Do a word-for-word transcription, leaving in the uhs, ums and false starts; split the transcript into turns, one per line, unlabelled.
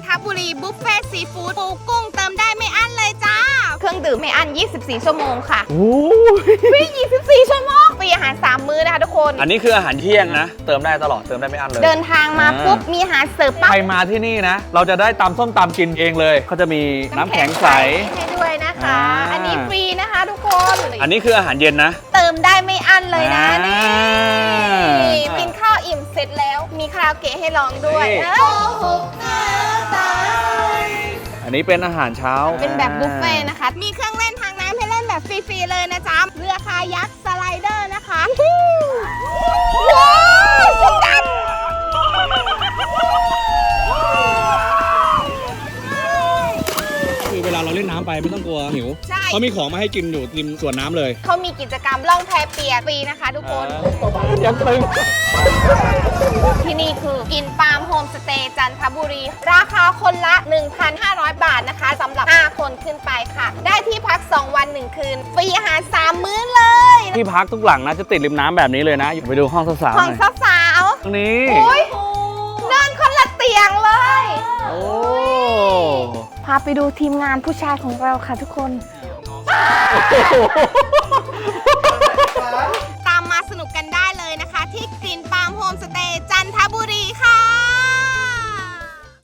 ทบุรีบุฟเฟ่ซีฟู้ดปูกุ้งเติมได้ไม่อั้นเลยจ้าเครื่องดื่มไม่อั้นยี่สิบสี่ชั่วโมงค่ะ
โอ้ย
ฟรียี่สิบสี่ชั่วโมงฟรีอาหารสามมื้อนะคะทุกคน
อันนี้คืออาหารเที่ยงนะเติมได้ตลอดเติมได้ไม่อั้นเลย
เดินทางมาปุ๊บมีอาหารเสิร์ฟปั๊บ
ใครมาที่นี่นะเราจะได้ตำส้มตำกินเองเลยเขาจะมีน้ำแข็งใส
ให้ด้วยนะคะ
อ่า
อันนี้ฟรีนะคะทุกคน
อันนี้คืออาหารเย็นนะ
เติมได้ไม่อั้นเลยนะ
อ่า
นี่กินข้าวอิ่มเสร็จแล้วมีคาราโอเกะให้ร้องด้วย
นี่
เออ
อันนี้เป็นอาหารเช้า
เป็นแบบบุฟเฟ่ต์นะคะ มีเครื่องเล่นทางน้ำให้เล่นแบบฟรีๆเลยนะจ๊ะเรือคายักสไลเดอร์นะคะว้าวสุดจัด
คือเวลาเราเล่นน้ำไปไม่ต้องกลัวหิว
ใช่
เขามีของมาให้กินอยู่ริมสวนน้ำเลย
เขามีกิจกรรมล่องแพเปียกฟรีนะคะทุกคน
ยังตึง
ที่นี่คือกินปาล์มโฮมสเตย์จันทบุรี ราคาคนละ หนึ่งพันห้าร้อย บาทนะคะสำหรับ ห้า คนขึ้นไปค่ะ ได้ที่พัก สอง วัน หนึ่ง คืน ฟรีอาหาร สาม มื้อเลย
ที่พักทุกหลังนะจะติดริมน้ำแบบนี้เลยนะอยู่ไปดูห้องสาวๆ
ของ
หน่อย
สาว
ตรงนี้
ๆโอ้ยนอนคนละเตียงเลย
โอ้
พาไปดูทีมงานผู้ชายของเราค่ะทุกคน
โ